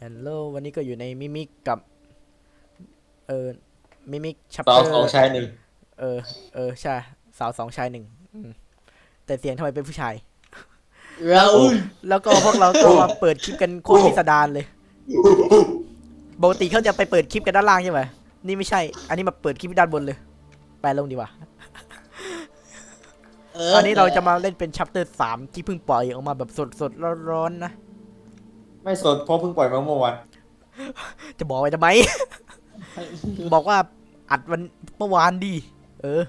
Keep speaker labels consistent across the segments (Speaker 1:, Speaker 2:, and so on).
Speaker 1: ฮัลโหลวันนี้ก็อยู่ในมิมิกกับเออมิมิกชัป
Speaker 2: สา
Speaker 1: เตอร์
Speaker 2: วสองชายหนึ่ง
Speaker 1: เออใช่สาวสองชายหนึ่งแต่เสียงทำไมเป็นผู้ชาย
Speaker 3: เรา
Speaker 2: โอ้
Speaker 1: แล้วก็พวกเราก็มาเปิดคลิปกันโคตรพิสดารเลยปกติเขาจะไปเปิดคลิปกันด้านล่างใช่ไหมนี่ไม่ใช่อันนี้มาเปิดคลิปด้านบนเลยไปลงดีกว่าอันนี้เราจะมาเล่นเป็นชัปเตอร์3ที่เพิ่งปล่อยออกมาแบบสดๆร้อนๆนะ
Speaker 2: ไม่สดเพราะเพิ่งปล่อยมาเมื่อวาน
Speaker 1: จะบอกไว้ทำไม บอกว่าอัดวันเมื่อวานดีเออ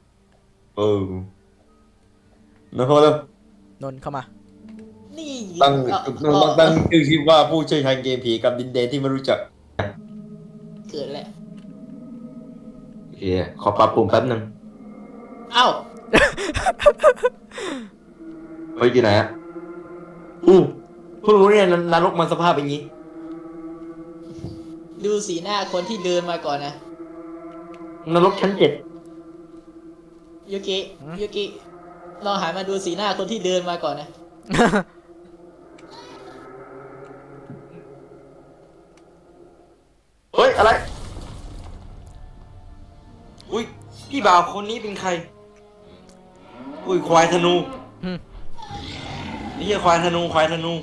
Speaker 2: นะครับแล้ว
Speaker 1: นนท์เข้ามา
Speaker 3: นี่
Speaker 2: ตั้ง
Speaker 3: เอ่อ
Speaker 2: ตั้งชื่อคลิปว่าผู้เชี่ยวชาญเกมผีกับดินแดนที่ไม่รู้จัก
Speaker 3: เกิดแล้ว
Speaker 2: โอเคขอปรับปรุงแป๊บนึง
Speaker 3: เอ้า
Speaker 2: ไปอยู่ไหนอ่ะเพิ่งรู้เนี่ยนรกมันสภาพเป็นงี้
Speaker 3: ดูสีหน้าคนที่เดินมาก่อนนะ
Speaker 2: นรกชั้น7
Speaker 3: ยูกิยูกิลองหันมาดูสีหน้าคนที่เดินมาก่อนนะ
Speaker 2: เฮ้ยอะไรอุ้ยพี่บ่าวคนนี้เป็นใครอุ้ยควายธนู
Speaker 1: อืม
Speaker 2: นี่ควายธนู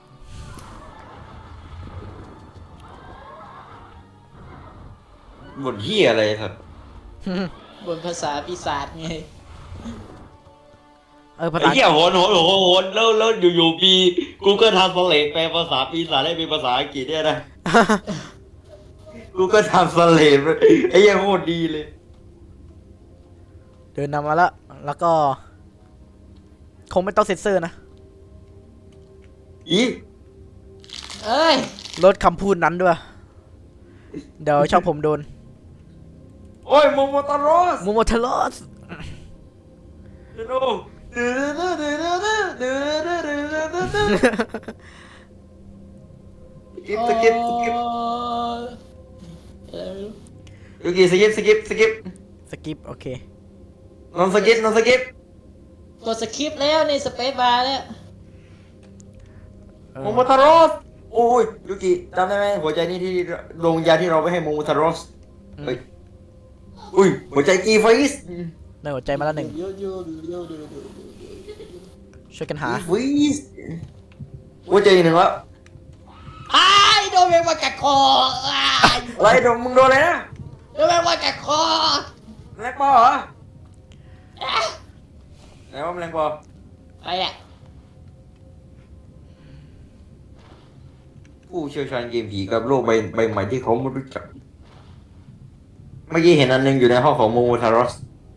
Speaker 2: บทเหี้ยอะไรครับ
Speaker 3: บนภาษาปีศาจไง
Speaker 1: ภา
Speaker 2: ไอ้
Speaker 1: ษา
Speaker 2: เหี้ยโหนแล้วอยู่ปีGoogle Translate แปลภาษาปีศาจให้เป็นภาษาอังกฤษเนี่ยนะ Google Translate ไอ้เหี้ยโคตรดีเลย
Speaker 1: เดินนำมาแล้วก็คงไม่ต้องเซ็นเซอร์นะ
Speaker 2: อี
Speaker 3: เอ้ย
Speaker 1: ลดคำพูดนั้นด้วยเดี๋ยวชอบผมโดน
Speaker 2: โอ้ยโมโมตารอส
Speaker 1: มูโมเทลอส
Speaker 2: ดูสกิปยูกิสกิป
Speaker 1: สกิปโอเคน
Speaker 2: อนสกิป
Speaker 3: กดสคริปต์แล้วในสเปซบาร์แล้ว
Speaker 2: โมโมทารอสโอ้ยยูกิจำได้ไหมหัวใจนี่ที่ดวงวิญญาณที่เราไปให้โมโมทารอสเฮ้ยอุ้ยหัวใจกีไฟส์
Speaker 1: ได้หัวใจมาแล้วหนึ่งช่วยกันหา
Speaker 2: กีไฟส์หัวใจอีกหนึ่งแล้ว
Speaker 3: อ้ายโดนแมงวันกัดคออ้าย
Speaker 2: อะไรโดนมึงโดนอะไรนะ
Speaker 3: โดนแมงวันกัดคอ
Speaker 2: แมลงปอเหรอไหนว่าแมลงปอ
Speaker 3: ไปอ่ะ
Speaker 2: ผู้เชี่ยวชาญเกมผีกับโลกใบใหม่ที่เขาไม่รู้จักเมื่อกี้เห็นอันหนึงอยู่ในห้องของโมโมทารอส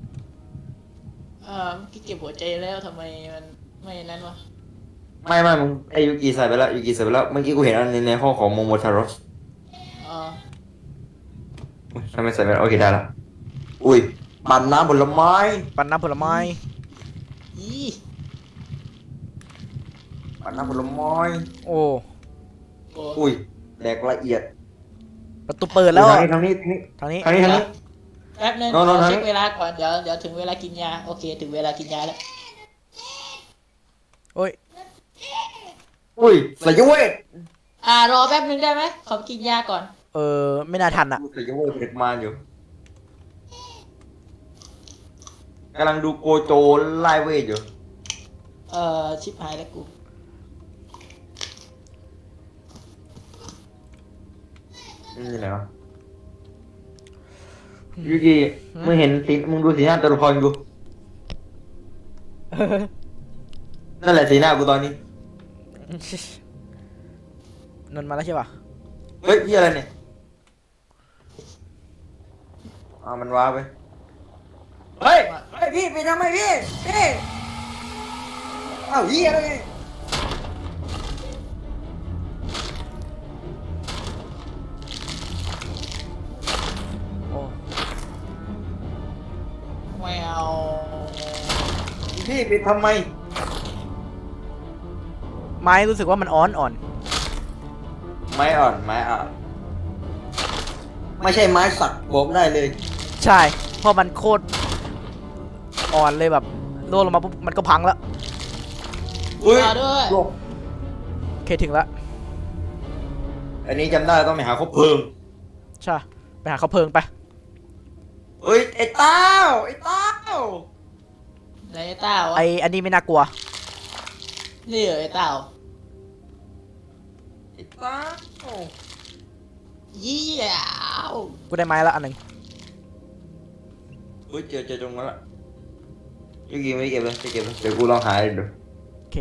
Speaker 3: พี่เก็บหัวใจแล้วทำไมมันไม่นั้นวะ
Speaker 2: ไม่มึงไอยูกิใส่ไปแล้วเมื่อกี้กูเห็นอันนึงในห้องของโมโมทารอส
Speaker 3: อ๋อ
Speaker 2: ทำไมใส่ไปแล้วโอเคได้ละอุ้ยปั่นน้ำผลไม้
Speaker 1: ปั่นน้ำผลไม้
Speaker 3: อี
Speaker 2: ปั่นน้ำผลไม้
Speaker 1: โอ้
Speaker 3: โอ้
Speaker 2: อุ้ยแดกละเอียด
Speaker 1: ประตูเปิดแล้ว
Speaker 2: ทางนี้
Speaker 1: ทางนี้
Speaker 3: แป๊บนึง
Speaker 2: นอน
Speaker 3: ขอ
Speaker 2: ทางนี้
Speaker 3: เช็คเวลาก่อนเดี๋ยวถึงเวลากินยาโอเคถึงเวลากินยาแล้ว
Speaker 1: โอ้ย
Speaker 2: อุ้ยสายเวท
Speaker 3: รอแป๊บนึงได้ไหมขอกินยาก่อน
Speaker 1: ไม่น่าทันอ่ะ
Speaker 2: สายเวทเด็กมาอยู่กำลังดูโกโจไล่เวทอยู่
Speaker 3: ชิบหายแล้วกู
Speaker 2: นี่ไหนวะยูกิมึงเห็นสีมึงดูสีหน้าตัวละครกูนั่นแหละสีหน้ากูตอนนี้
Speaker 1: นนท์มาแล้วใช่ป่ะ
Speaker 2: เฮ้ยพี่อะไรเนี่ยมันว้าไปเฮ้ยพี่ไปทำไมพี่อ้าวเฮียอะไรเนี่ย
Speaker 1: โอ้
Speaker 3: แมว
Speaker 2: พี่ไปทำไม
Speaker 1: ไม้รู้สึกว่ามันอ่อน
Speaker 2: ไม้อ่อนไม่ใช่ไม้สักบอกได้เลย
Speaker 1: ใช่เพราะมันโคตรอ่อนเลยแบบโดนลงมาปุ๊บมันก็พังแล้ว
Speaker 2: อุ้ย
Speaker 3: รอด้วย
Speaker 2: โลก
Speaker 1: โอเคถึงแล้ว
Speaker 2: อันนี้จำได้ต้องไปหาคบเพลิง
Speaker 1: ใช่ไปหาเขาเพลิงไป
Speaker 2: เอ้ยไอ้เต้าไอ้เต้า
Speaker 3: ไหนไอ้เต้าวะ
Speaker 1: ไออันนี้ไม่น่ากลัว
Speaker 3: นี่เหรอไอ้เต้า
Speaker 2: ไอ้เต้า
Speaker 3: เยี่ยว
Speaker 1: กูได้ไม้แล้วอันหนึ่ง
Speaker 2: เฮ้ยเจอตรงนั้นละยูกิไม่ได้เก็บเลยไปเก็บเลยเดี๋ยวกูลองหาดู
Speaker 1: โอเค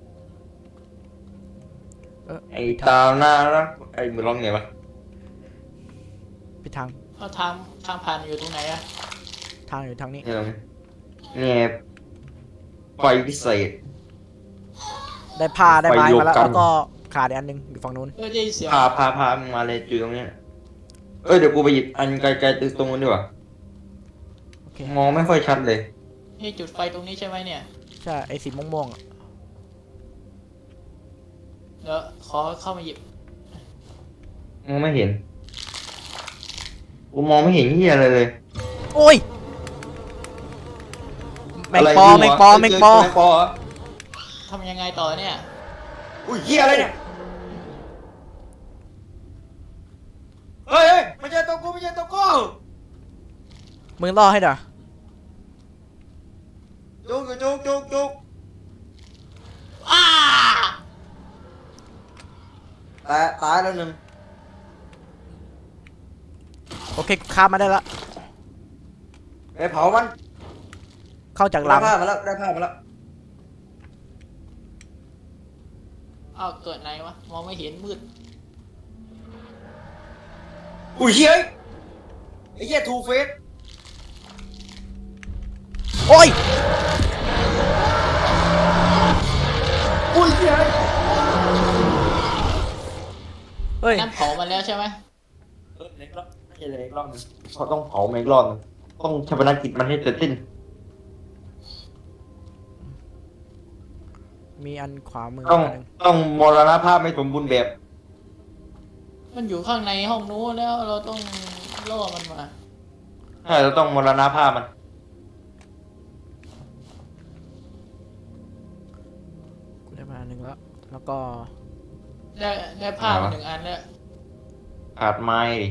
Speaker 2: ไอ้เต้าน่ารักไอ้มึงร้องไงวะ
Speaker 1: ไปทาง
Speaker 3: เอาทางผ่านอยู่ตรงไหนอะ
Speaker 1: ทางอยู่ทางนี้
Speaker 2: นี่ตรงนี้เนี่ยไฟพิเศษ
Speaker 1: ได้ผ้าได้ไม้
Speaker 2: ไปโยก
Speaker 1: มาแล้ว
Speaker 2: กัน
Speaker 1: แล้วก็ขาดอีกอันหนึ่งอยู่ฝั่งนู้น
Speaker 3: ได้ยินเสียง
Speaker 2: พามึงมาเลยอยู่ตรงนี้เอ้ยเดี๋ยวกูไปหยิบอันไกลๆตรงนู้นดีกว่า
Speaker 1: โอเค
Speaker 2: มองไม่ค่อยชัดเลย
Speaker 3: นี่จุดไฟตรงนี้ใช่ไหมเนี่ย
Speaker 1: ใช่ไอสีม่วงๆอะ
Speaker 3: เดี๋ยวขอเข้ามาหยิบ
Speaker 2: มองไม่เห็นกูมองไม่เห็นเหี้ยอะไรเลย
Speaker 1: โอ้ยแมงปอแมงปอแมงปอ
Speaker 2: แมงปอเหรอ
Speaker 3: ทำยังไงต่อเนี่ย
Speaker 2: อุ้ยเหี้ยอะไรเนี่ยเฮ้ยไม่ใช่ตัวกูไม่ใช่ตัวกู
Speaker 1: มึงล่อให้หน่อย
Speaker 2: จุก
Speaker 3: อ้า
Speaker 2: ตายแล้วหนึ่ง
Speaker 1: โอเคข้ามมาได้ละ
Speaker 2: ไปเผามัน
Speaker 1: เข้าจากห
Speaker 2: ได้
Speaker 1: ลัง
Speaker 2: ผ้ามาแล้วได้ผ้ามาแล้ว
Speaker 3: เอาเกิดไหนวะ มองไม่เห็นมืด
Speaker 2: อุ้ยเฮ้ยไอ้เหี้ยทูเฟส
Speaker 1: โอ้ย
Speaker 2: อุ้ยเฮ้ย
Speaker 1: เฮ้ย
Speaker 3: นั่นเผามาแล้วใช่ไหม
Speaker 2: เล็กรอบไม่ใช่เล็กรอบนึงเขาต้องเผาแมงรอบนึงต้องชาปนกิจมันให้เสร็จสิ้น
Speaker 1: มีอันขวามือ
Speaker 2: ต้อง
Speaker 1: อันหนึ่ง
Speaker 2: ต้องมรณภาพไม่สมบูรณ์แบบ
Speaker 3: มันอยู่ข้างในห้องนู้นแล้วเราต้องล่อมันมา
Speaker 2: ใช่เราต้องมรณภาพมัน
Speaker 1: กูได้มาอันหนึ่งแล้ว แล้วก็
Speaker 3: ได้ผ้ามา1 อันแล้ว
Speaker 2: ขาดไม้ดิ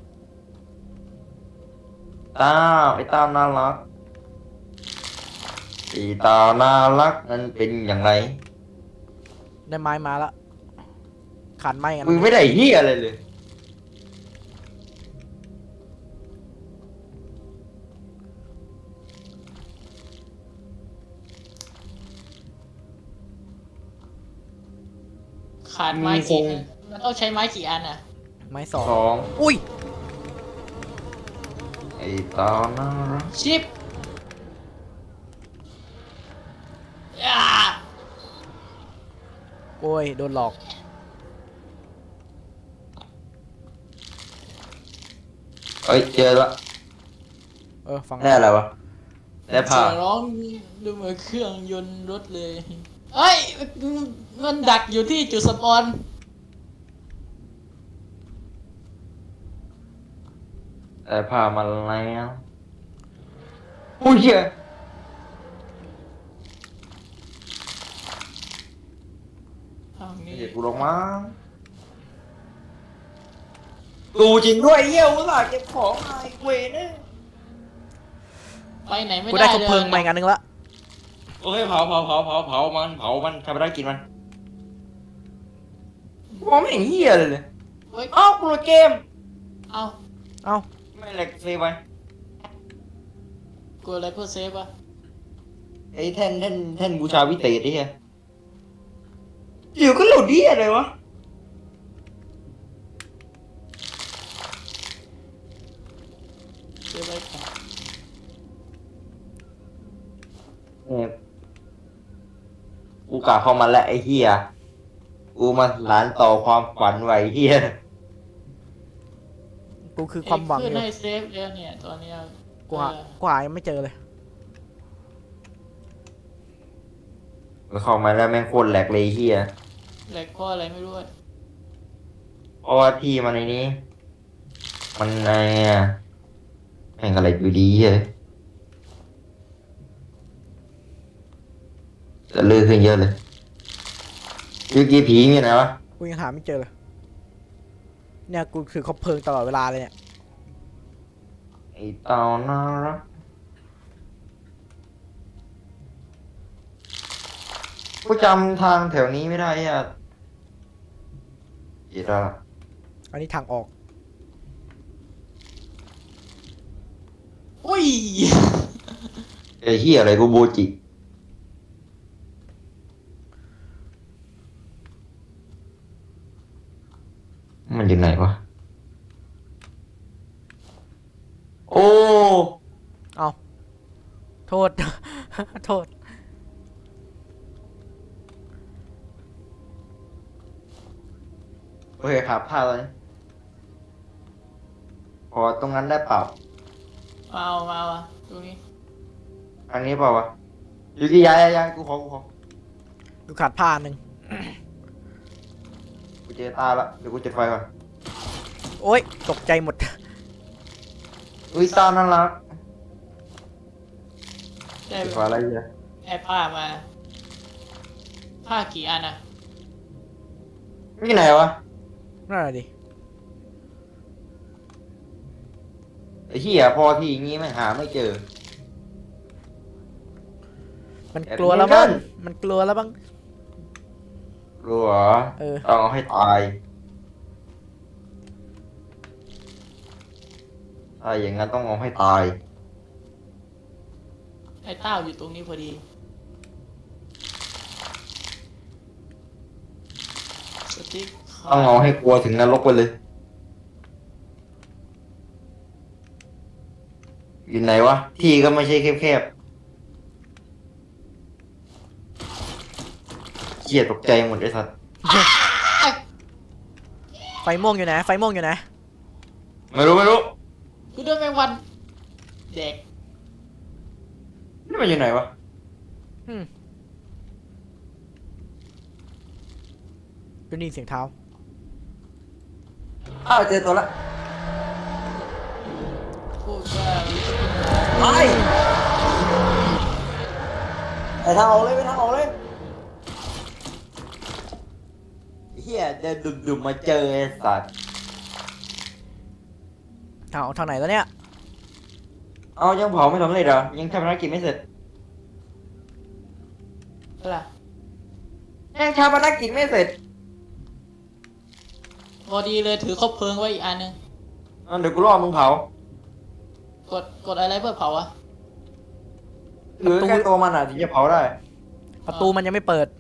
Speaker 2: ต้าวไอ้ต้าวน่ารักไอ้ต้าวน่ารักนั้นเป็นอย่างไร
Speaker 1: ได้ไม้มาแล้วขาดไม้กัน
Speaker 2: มึงไม่ได้เหี้ยอะไรเลย
Speaker 3: ขาดไม้กี่อันมันต้องใช้ไม้กี่อันอ่ะ
Speaker 1: ไม้สอง
Speaker 2: สอง
Speaker 1: อุ้ย
Speaker 2: ไอ้ต้าวน่ารัก
Speaker 3: ชิปอ่า
Speaker 1: โอ้ยโดนหลอก
Speaker 2: เอ้ยเจอละ
Speaker 1: ฟัง
Speaker 2: ได้อะไรวะได้ผ้า
Speaker 3: เสียงร้องดูเหมือนเครื่องยนต์รถเลยเอ้ยมันดักอยู่ที่จุดสปอน
Speaker 2: ได้ผ้ามาแล้วอุ้ยเหี้ย
Speaker 3: ทางนี้
Speaker 2: เดี๋ยวกูลงมาดูจริงด้วยเหี้ยอุตส่าห์เก็บของมาไอ้เวรเนี่ย
Speaker 3: ไปไหนไม่
Speaker 1: กู
Speaker 3: ได้
Speaker 1: ได้คบ
Speaker 3: เลย
Speaker 1: เพลิงมาอีกอันหนึ่งละ
Speaker 2: โอเคเผามันทำไปได้กินมันมองไม่เห็นเหี้ยเลย
Speaker 3: เฮ้ย
Speaker 2: เอ้ากูโหลดเกม
Speaker 3: เอา
Speaker 1: เอ้า
Speaker 2: ไม่แหลกเซฟไป
Speaker 3: กลัวอะไรเพื่อเซฟอะ
Speaker 2: ไอ้แท่นบูชาวิเศษไอ้เหี้ยอยู่ก็โหลดดีอะไรวะ
Speaker 3: เซฟไว้ก่อน
Speaker 2: เนี่ยกูกะเข้ามาแล้วไอ้เหี้ยกูมาหลานต่อความฝันไว้เหี้ย
Speaker 1: กูคือความหวังอ
Speaker 3: ขึ้น
Speaker 1: ยู่
Speaker 3: ให้เซฟแล้วเนี่ยตอนเนี้ย
Speaker 1: กูหากูหายังไม่เจอเลย
Speaker 2: เข้ามาแล้วแม่งโคตรแหลกเลยเหี้ย
Speaker 3: แหลกข้ออะไรไม่รู้อะ
Speaker 2: เพราะว่าที่มันในนี้ มันไงอะแม่งอะไรอยู่ดีเฮ้ยจะลือขึ้นเยอะเลยยูกีผีมีไหนวะ
Speaker 1: กูยังหาไม่เจอเลยเนี่ยกูคือคบเพลิงตลอดเวลาเลยเนี่ย
Speaker 2: ไอ้เต่าน่ารักกูจำทางแถวนี้ไม่ได้อ่ะอีดา
Speaker 1: อันนี้ทางออก
Speaker 3: อุ้ย
Speaker 2: ไอ้เหี้ยอะไรกูโบจิ มันอยู่ไหนวะ โอ้
Speaker 1: เอาโทษ โทษ
Speaker 2: โอเคครับพลาดแล้วนี่พอตรงนั้นได้เปล่า
Speaker 3: มาวะตรงนี้
Speaker 2: อันนี้เปล่าวะอยู่ที่ย้ายกูขอ
Speaker 1: กูขาดผ้าหนึ่ง
Speaker 2: กูเจอตาละเดี๋ยวกูจุดไฟก่อน
Speaker 1: โอ๊ยตกใจหมด
Speaker 2: อุ้ยตาน่ารัก
Speaker 3: ได้
Speaker 2: จุดไฟอะไรเนี่ย
Speaker 3: แอบผ้ามา ผ้ากี่อันอะ
Speaker 2: นี่ไหนวะ
Speaker 1: นั่นแหละดิ
Speaker 2: ไอ้เหี้ยพอที่อย่างงี้ไม่หาไม่เจอ
Speaker 1: มันกลัวแล้วบ้าง
Speaker 2: แอบเนียน
Speaker 1: มันกลัวแล้วบ้าง
Speaker 2: รู้เหรอ
Speaker 1: เออ
Speaker 2: ต้องเอาให้ตายถ้าอย่างนั้นต้องเอาให้ตาย
Speaker 3: ไอ้เต้าอยู่ตรงนี้พอดีสติ๊ก
Speaker 2: ต้องเอาให้กลัวถึงนรกไปเลย อยู่ไหนวะ ที่ก็ไม่ใช่แคบๆเกียตกใจหมดไอ้สัตว์
Speaker 1: ไฟม่วงอยู่ไหน ไฟม่วงอยู่ไหน
Speaker 2: ไม่รู้
Speaker 3: กูโดนแมงวันแดก
Speaker 2: นี่มันอยู่ไหนวะ
Speaker 1: อืมกูได้ยินเสียงเท้า
Speaker 2: อ้าวเจอตัวละ
Speaker 3: พูดว่า
Speaker 2: ไปทางออกเลยไปทางออกเลยเฮียเดินดุ่มๆมาเจอไอ้สัตว์
Speaker 1: ทางไหนแล้วเนี่ย
Speaker 2: เอายังเผาไม่สำเร็จเหรอ ยังทำภารกิจไม่เสร็จ
Speaker 3: อะไร
Speaker 2: ยังทำภารกิจไม่เสร็จ
Speaker 3: พอดีเลยถือคบเพลิงไว้อีกอันนึง
Speaker 2: เดี๋ยวกูรอมึงเผาก
Speaker 3: ดอะไรเพื่อเผาอะ
Speaker 2: หรือแค่ตัวมันอ่ะถึงจะเผาได้
Speaker 1: ประตูมันยังไม่เปิด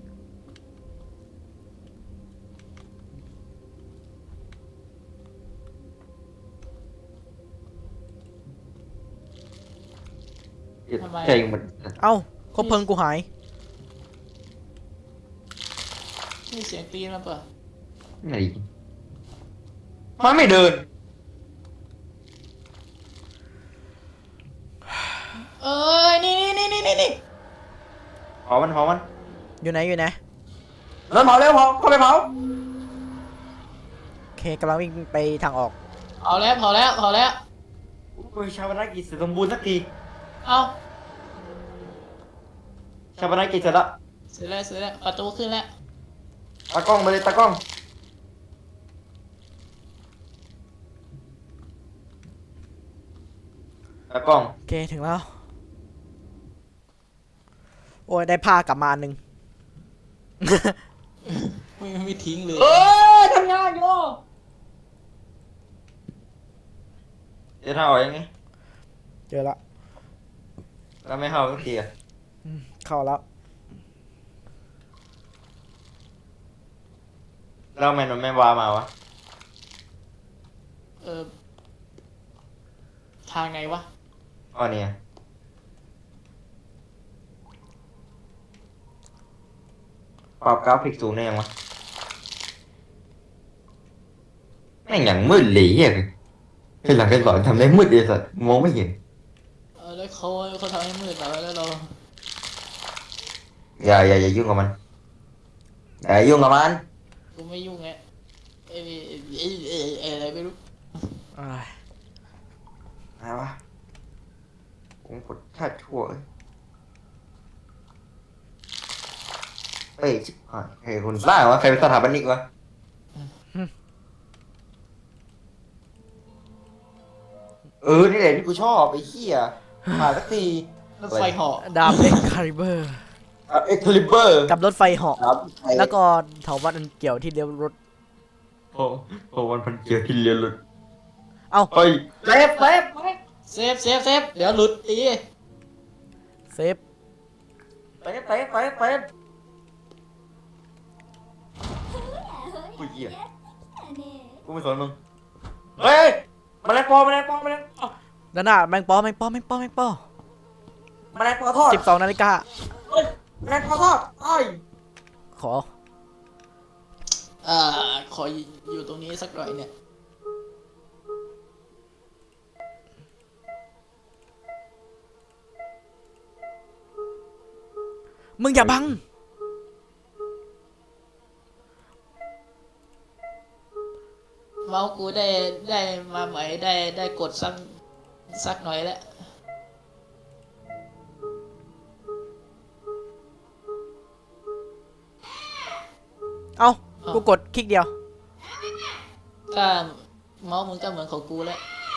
Speaker 2: ใจหมด
Speaker 1: เอ้าคบเพลิงกูหาย
Speaker 3: นี่เสียงตีนมันเปล่า
Speaker 2: ไหนมันไม่เดิน
Speaker 3: เอ้ยนี่
Speaker 2: เผามัน
Speaker 1: อยู่ไหนอยู่ไหน
Speaker 2: เริ่มเผาเร็วเผาเข้าไปเผา
Speaker 1: โอเคกำลังวิ่งไปทางออก
Speaker 3: เผาแล้ว
Speaker 2: โอ้ยชาปนกิจเสร็จสมบูรณ์สักที
Speaker 3: เอา
Speaker 2: ชาปนกิจเสร็จละ
Speaker 3: เสร็จแล้วประตูขึ้นแล้ว
Speaker 2: ตากล้องไปเลยตากล้องตากล้อง
Speaker 1: โอเคถึงแล้ว โอ้ยได้ผ้ากลับมาอันหนึ่ง
Speaker 3: ไม่ทิ้งเลย
Speaker 2: ทำงานอยู่เดี๋ยวถ้าออกยังไง
Speaker 1: เจอละ
Speaker 2: แล้วไม่เข้าสักทีอ่ะ
Speaker 1: เข้าแล้ว
Speaker 2: แล้วทำไมมันไม่วามาวะ
Speaker 3: เออทางไหนวะ
Speaker 2: อ๋อเนี่ยปรับกราฟิกสูงได้ยังวะแม่งอย่างมืดเลยเฮียคือหลังการสอนทำได้มืดเลยสัตว์มองไม่เห็น
Speaker 3: แล้วเขาทำให้มืดแล้วเรา
Speaker 2: อย่ายุ่งกับมันอย่ายุ่งกับมัน
Speaker 3: กูไม่ยุ่งไงอะไรไม่รู้
Speaker 1: อ้าย
Speaker 2: อะไรวะผมกดแทบชั่วเลยเฮ้ยชิบหายเฮ้ยคุณบ้าวะใครเป็นสถาปนิกวะนี่แหละที่กูชอบไอ้เหี้ยมาสักที
Speaker 3: รถไฟเหาะ
Speaker 1: ดาบเอ็กคาลิเบอร์
Speaker 2: เอ็กคลิเบอร์
Speaker 1: กับรถไฟเหาะ
Speaker 2: ครับ
Speaker 1: แล้วก็เถาวัลย์อันเกี่ยวที่เลี้ยวรถ
Speaker 2: โอ้วันพันเกียร์ที่เรียนเลย
Speaker 1: เอ้า
Speaker 2: เฮ้ยเซฟ
Speaker 3: เซฟเดี๋ยวหลุดอี
Speaker 1: เซฟ
Speaker 2: กูเหี้ยกูไม่สนมึงเฮ้ยแมลงปอ
Speaker 1: ด้านหน้าแมงปอแมงปอแมงปอแมงปอ
Speaker 2: แมลงปอทอด
Speaker 1: 12 นาฬิกา
Speaker 2: แมลงปอทอดไอ้
Speaker 1: ขอ
Speaker 3: ขออยู่ตรงนี้สักหน่อยเนี่ย
Speaker 1: มึงอย่าบัง
Speaker 3: เมาส์กูได้มาใหม่ได้กดสักหน่อยแล้ว
Speaker 1: เอ้า กูกดคลิกเดียว
Speaker 3: ก็เมาส์มึงก็เหมือนของกูแล้ว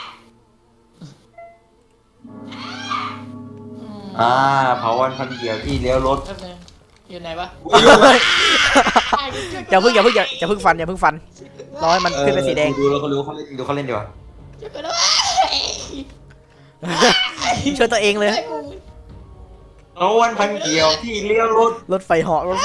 Speaker 2: เผาวันพันเกียร์ที่เลี้ยวรถ
Speaker 3: แป๊บนึงอยู่ไหนวะ
Speaker 1: อย่าเพิ่งฟันรอให้มันขึ้นเป็นสีแดง
Speaker 2: ดูแล้วเขารู้เขาเล่นดูเขาเล่นดีกว่า
Speaker 3: ช่วยกันด้วย
Speaker 1: ช่วยตัวเองเลย
Speaker 2: เผาวันพันเกียวที่เลี้ยวรถ
Speaker 1: รถไฟเหาะ
Speaker 3: ช่วย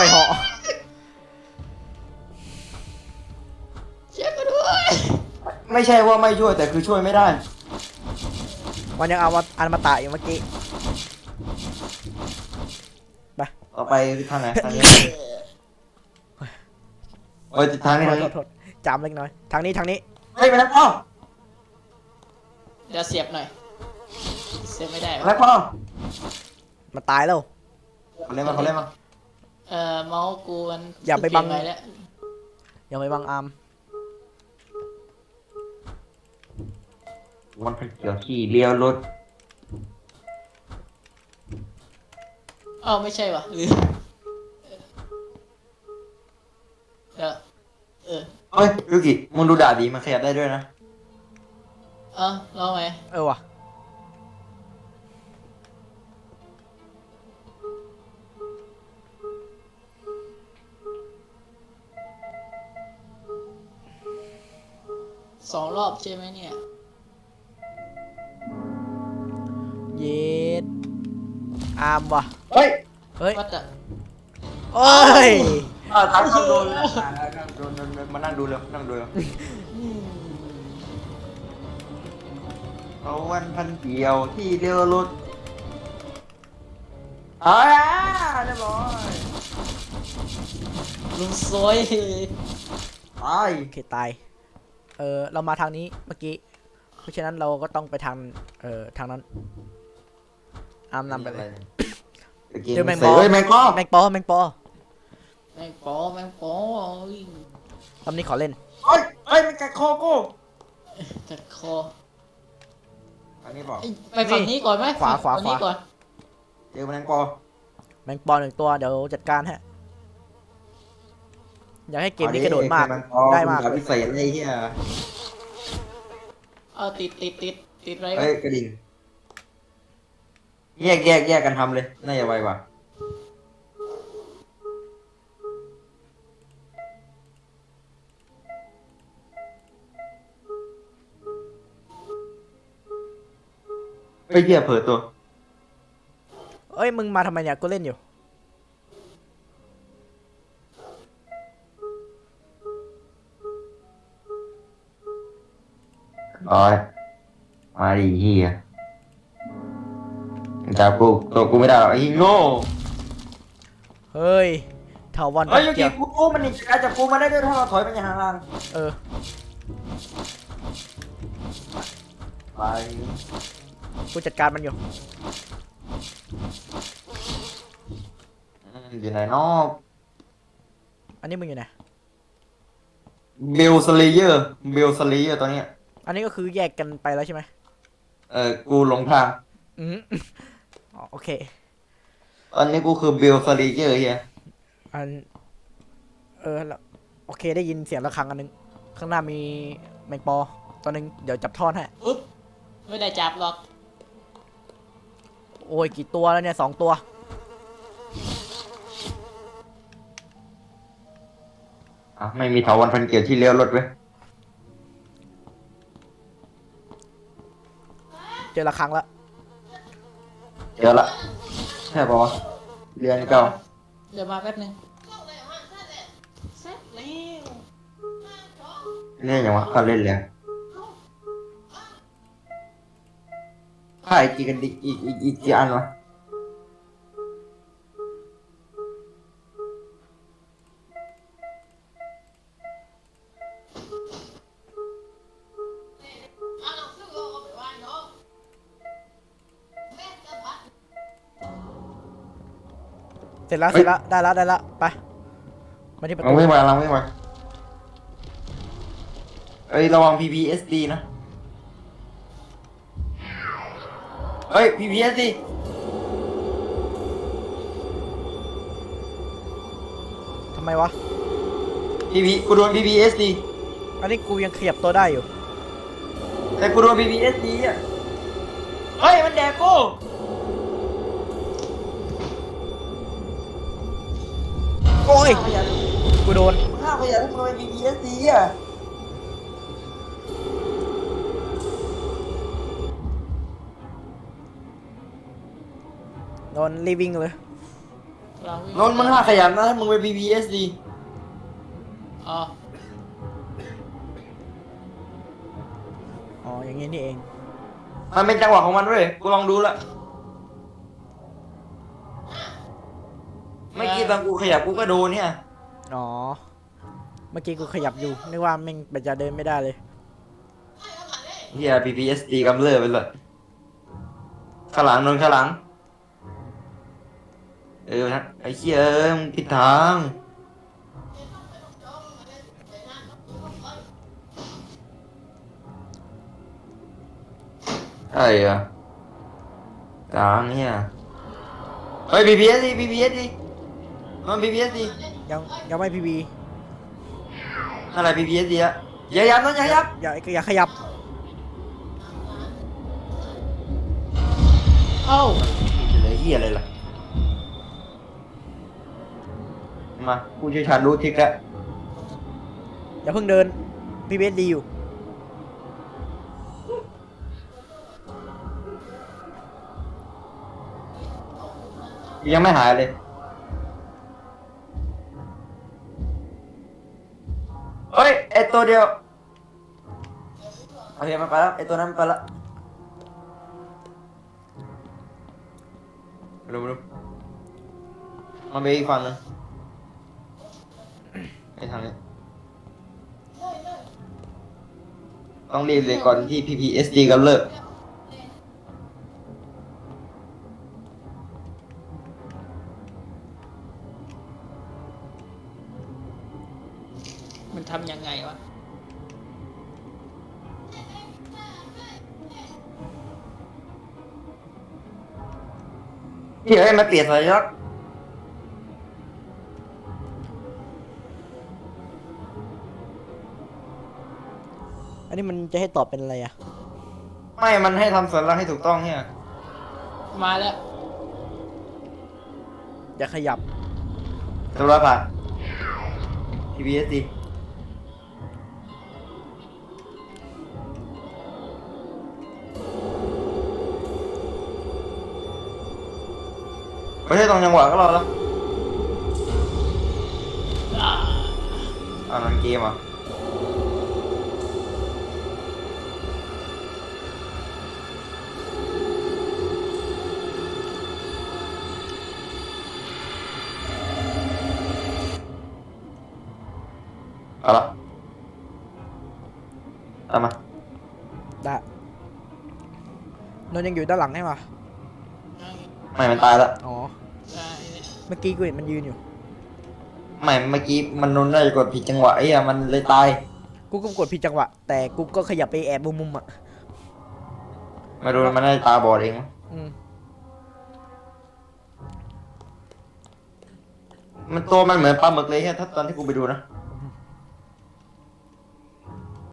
Speaker 3: กันด้วย
Speaker 2: ไม่ใช่ว่าไม่ช่วยแต่คือช่วยไม่ได้
Speaker 1: มันยังเอาอันมาตะอยู่เมื่อกี้
Speaker 2: ต่อไปทางไหนทางนี้โอ้ยทางนี้ทางนี้
Speaker 1: โทษจามเล็กน้อย ทางนี้
Speaker 2: เฮ้ยแมลงปอ
Speaker 3: เดี๋ยวเสียบหน่อย เสียบไม่ได้
Speaker 2: แม
Speaker 3: วะ
Speaker 2: ลงปอ
Speaker 1: มันตายแล้ว
Speaker 2: เขาเล่นมา
Speaker 3: เมาส์กูมัน
Speaker 1: อย่าไปบัง
Speaker 3: เปลี่ยนแล้ว
Speaker 1: อย่าไปบังอาร์ม
Speaker 2: วันพันเกียวที่เลี้ยวรถ
Speaker 3: อ้าวไม่ใช่วะลืมเดี๋ยว
Speaker 2: เฮ้ยยูกิมึงดูดาบดีมันขยับได้ด้วยนะ
Speaker 3: ลองไหม
Speaker 1: เออว่ะ
Speaker 3: 2 รอบใช่ไหมเนี่ย
Speaker 1: เย็ดอาร์มว่ะ
Speaker 2: เฮ้ย
Speaker 1: เฮ้ย
Speaker 3: วัดอะ
Speaker 1: โอ้ย
Speaker 2: ทางโดนมานั่งดูเลยนั่งดูเลยเอาวันพันเกียวที่เลี้ยวรถเรียบร้อย
Speaker 3: ลุงซวย
Speaker 2: ตาย
Speaker 1: โอเคตาย เรามาทางนี้เมื่อกี้ เพราะฉะนั้นเราก็ต้องไปทาง ทางนั้น อาร์มนำไปเลย เดี๋ยวแมงปอ
Speaker 2: เฮ้ยแมงปอ
Speaker 1: แมงปอ
Speaker 3: แมงปอ
Speaker 1: รอบนี้ขอเล่น
Speaker 2: เฮ้ยมันกัดคอกู
Speaker 3: จัดคอ
Speaker 2: อันนี้บอก
Speaker 3: ไปฝั่งนี้ก่อนไหม
Speaker 1: ขวา
Speaker 3: ฝั่งนี้ก่อน
Speaker 2: เจอแมงปอ
Speaker 1: แมงปอ1 ตัวเดี๋ยวจัดการฮะ อยากให้เกมนี้กระโดดมาก ได้มาก
Speaker 2: พิเศษไอ้เหี้ย
Speaker 3: ติดอะไร
Speaker 2: เฮ้
Speaker 3: วะ
Speaker 2: ยกระดิ่งแยกกันทำเลยน่าจะไวกว่าไอ้เหี้ยเผลอตัว
Speaker 1: เอ้ยมึงมาทำไมเนี่ยกูเล่นอยู่
Speaker 2: โอ้ยมาดิเหี้ยจับกูตัวกูไม่ได้หรอกไอ้โง่
Speaker 1: เฮ้ยเถาวัน
Speaker 2: เฮ้ยยู
Speaker 1: เกี่
Speaker 2: กิ
Speaker 1: ยว
Speaker 2: กูมันนี่การจับกูมาได้ด้วยถ้าเราถอยไปอย่างห่าง
Speaker 1: เออ
Speaker 2: ๆไป
Speaker 1: กูจัดการมันอยู่
Speaker 2: อยู่ไหนนอก
Speaker 1: อันนี้มึงอยู่ไหน
Speaker 2: เบลสเลเยอร์ตอนเนี้ย
Speaker 1: อันนี้ก็คือแยกกันไปแล้วใช่ไหม
Speaker 2: กูหลงทาง
Speaker 1: อืม อ๋อโอเค
Speaker 2: ตอนนี้กูคือเบลสเลเยอร์เฮีย
Speaker 1: อัน แล้วโอเคได้ยินเสียงระฆังอันนึง ข้างหน้ามีแมงปอตัวหนึงเดี๋ยวจับท่อนให้
Speaker 3: อึ๊บไม่ได้จับหรอก
Speaker 1: โอ้ยกี่ตัวแล้วเนี่ย2 ตัว
Speaker 2: ไม่มีเถาวัลย์พันเกียรติที่เลี้ยวรถเว้ย
Speaker 1: เจอละครั้งละ
Speaker 2: เดี๋ยวละใช่ปะวะเรียนเก่า
Speaker 3: เดี๋ยวมาแป๊บนึงเสร็จแล้ว
Speaker 2: เนี่ยอย่างวะเขาเล่นแล้วค่ายกี่กันดิอีกกี่อันวะ
Speaker 1: เสร็จแล้วเสร็จแล้วได้แล้วไปมาที่ประ
Speaker 2: ลั
Speaker 1: ตู
Speaker 2: งไม่มาเอ้ยระวัง PPSD นะเอ้ย PPSD
Speaker 1: ทำไมวะ
Speaker 2: กูโดน PPSD
Speaker 1: อันนี้กูยังขยับตัวได้อยู่
Speaker 2: แต่กูโดน PPSD อ่ะเฮ้ยมันแดกกู
Speaker 1: โอ้ย
Speaker 2: ขยัน
Speaker 1: กูโดน
Speaker 2: ข้าวขยันกูโดน PPSD อ่ะ
Speaker 1: โดนรีวิ่งเลย
Speaker 3: เราวิ่ง
Speaker 2: นนท์มึงห้าขยันนะถ้ามึงไป PPSD
Speaker 3: อ๋อ
Speaker 1: อ๋ออย่างงี้นี่เอง
Speaker 2: มันเป็นจังหวะของมันเว้ยกูลองดูละเมื่อกี้ตอนกูขยับกูก็โดนเนี่ย
Speaker 1: อ๋อเมื่อกี้กูขยับอยู่นึกว่าแม่งมันจะเดินไม่ได้เลย
Speaker 2: เฮีย PPSD กำเริบไปเลยข้างหลังนนท์ข้างหลังนะไอ้เหี้ยมึงผิดทางไอ้อะทางเนี่ยเฮ้ย PPSD นนท์ PPSD
Speaker 1: ยังไม่พีบี
Speaker 2: อะไร PPSD อะอย่ายับนนท์อย่ายับ
Speaker 1: อย่าขยับ
Speaker 3: เอ้า
Speaker 2: เหลือเหี้ยอะไรล่ะมากูเชี่ยวชาญรู้ทริกแล้ว
Speaker 1: อย่าเพิ่งเดินพีบีดีอยู่
Speaker 2: ยังไม่หายเลยเฮ้ยไอตัวเดียวโอเคมันไปแล้วไอตัวนั้นมันไปแล้วรู้มันไปอีกฝั่งหนึงไอทางนี้ต้องรีบเลยก่อนที่ PPSD กำเริบ
Speaker 3: มันทำยังไงวะ
Speaker 2: เฮ้ยมันเปลี่ยนสัญลักษณ์
Speaker 1: อันนี้มันจะให้ตอบเป็นอะไรอะ
Speaker 2: ไม่มันให้ทำสัญลักษณ์ให้ถูกต้องเนี่ย
Speaker 3: มาแล้ว
Speaker 1: อย่าขยับ
Speaker 2: สัญลักษณ์ผ่าน PPSD ไม่ใช่ตรงจังหวะก็รอแล้วนั่นเกมอ่ะเอาละตามมา
Speaker 1: ได้นนท์ยังอยู่ด้านหลังใช่ปะ
Speaker 2: ไม่มันตายแล้ว
Speaker 1: อ๋อ
Speaker 3: ได้เนี่ย
Speaker 1: เมื่อกี้กูเห็นมันยืนอยู่
Speaker 2: ไม่เมื่อกี้มันนนได้กดผิดจังหวะไอ้อะมันเลยตาย
Speaker 1: กูก็กดผิดจังหวะ แต่กูก็ขยับไปแอบมุมๆอ่ะ
Speaker 2: ไม่รู้มันได้ตาบอดเองมั้ง
Speaker 1: อืม
Speaker 2: มันตัวมันเหมือนปลาหมึกเลยแค่ถ้าตอนที่กูไปดูนะ